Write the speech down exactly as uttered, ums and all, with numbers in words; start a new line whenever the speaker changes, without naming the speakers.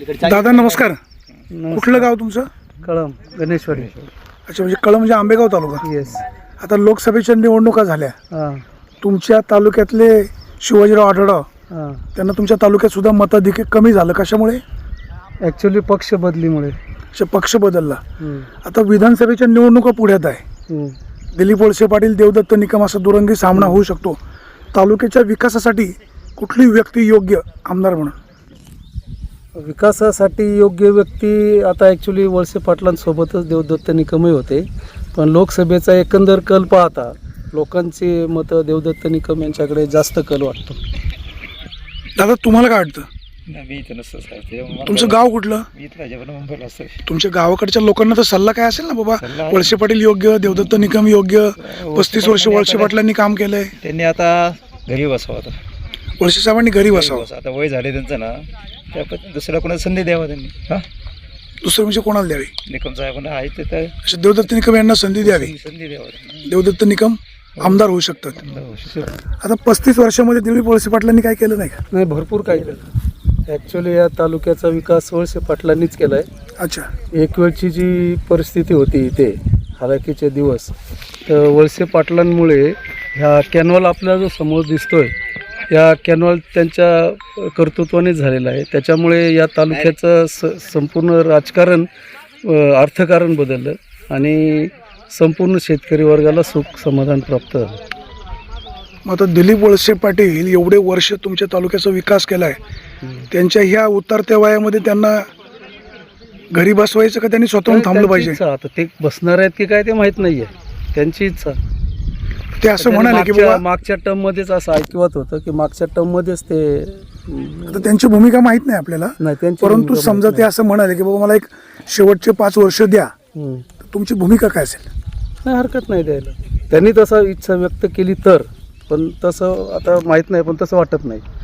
दादा नमस्कार. कुठलं गाव तुमचं?
कळम गणेशवाडी.
अच्छा, म्हणजे कळम म्हणजे आंबेगाव तालुका.
येस.
आता लोकसभेच्या निवडणुका झाल्या.
हां
तुमच्या तालुक्यातले शिवाजीराव आढळराव
हां
त्यांना तुमच्या तालुक्यात सुद्धा मताधिक्य कमी झालं. कशामुळे?
ॲक्च्युली पक्ष बदलीमुळे.
अच्छा, पक्ष बदलला.
हम्म,
आता विधानसभेच्या निवडणुका पुढ्यात आहे.
हम्म.
दिलीप वळसे पाटील, देवदत्त निकम असा दुरंगी सामना होऊ शकतो. तालुक्याच्या विकासासाठी कुठली व्यक्ती योग्य आमदार म्हणून?
विकासासाठी योग्य व्यक्ती आता ॲक्च्युली वळसे पाटलांसोबतच देवदत्त निकमही होते, पण लोकसभेचा एकंदर कल पाहता लोकांची मतं देवदत्त निकम यांच्याकडे जास्त कल वाटतो.
दादा तुम्हाला काय वाटतं?
मी इथं नसतं साहेब.
तुमचं गाव कुठलं?
मी इथं राजापूर मुंबईला असतो.
तुमच्या गावाकडच्या लोकांना तर सल्ला काय असेल ना बाबा,
सल्ला-
वळसे पाटील योग्य, देवदत्त निकम योग्य, पस्तीस वर्ष वळसे पाटलांनी काम केलंय,
त्यांनी आता घरी बसावं. आता
वळसे साहेबांनी घरी बसावं.
बसावं. आता वय झाले त्यांचं ना, त्या पद्धतीने दुसऱ्या कोणाला संधी द्यावा त्यांनी. हां,
दुसरं म्हणजे कोणाला द्यावी?
निकम साहेबांना आहे ते तर
अशा देवदत्त निकम यांना संधी द्यावी.
संधी द्यावा त्यांनी.
देवदत्त निकम आमदार होऊ शकतात. आता पस्तीस वर्षामध्ये दिलीप वळसे पाटलांनी काय केलं नाही का?
नाही, भरपूर काही केलं. ॲक्च्युली या तालुक्याचा विकास वळसे पाटलांनीच केला आहे.
अच्छा,
एक वेळची जी परिस्थिती होती इथे हालाकीचे दिवस, तर वळसे पाटलांमुळे ह्या कॅनॉल आपल्याला जो समोर दिसतोय, या कॅनॉल त्यांच्या कर्तृत्वानेच झालेला आहे. त्याच्यामुळे या तालुक्याचं स संपूर्ण राजकारण, अ, अर्थकारण बदललं आणि संपूर्ण शेतकरी वर्गाला सुख समाधान प्राप्त झालं.
मग आता दिलीप वळसे पाटील एवढे वर्ष तुमच्या तालुक्याचा विकास केलाय, त्यांच्या ह्या उतरत्या वयामध्ये त्यांना घरी बसवायचं का त्यांनी स्वतःहून थांबलं
त्यांची
पाहिजे?
इच्छा. आता ते बसणार आहेत की काय ते माहीत नाही आहे, त्यांची इच्छा.
ते असं म्हणाले की
मागच्या
बाबा,
मागच्या टर्ममध्येच असं ऐकवत होतं की मागच्या टर्ममध्येच ते
आता त्यांची भूमिका माहीत नाही आपल्याला,
नाही त्यांची
परंतु
भूमिका
समजा
माहित
ते असं म्हणाले की बाबा मला एक शेवटचे पाच वर्ष द्या,
नाही. हम्म.
तर तुमची भूमिका काय असेल?
नाही, हरकत नाही द्यायला. त्यांनी तसं इच्छा व्यक्त केली तर, पण तसं आता माहीत नाही, पण तसं वाटत नाही.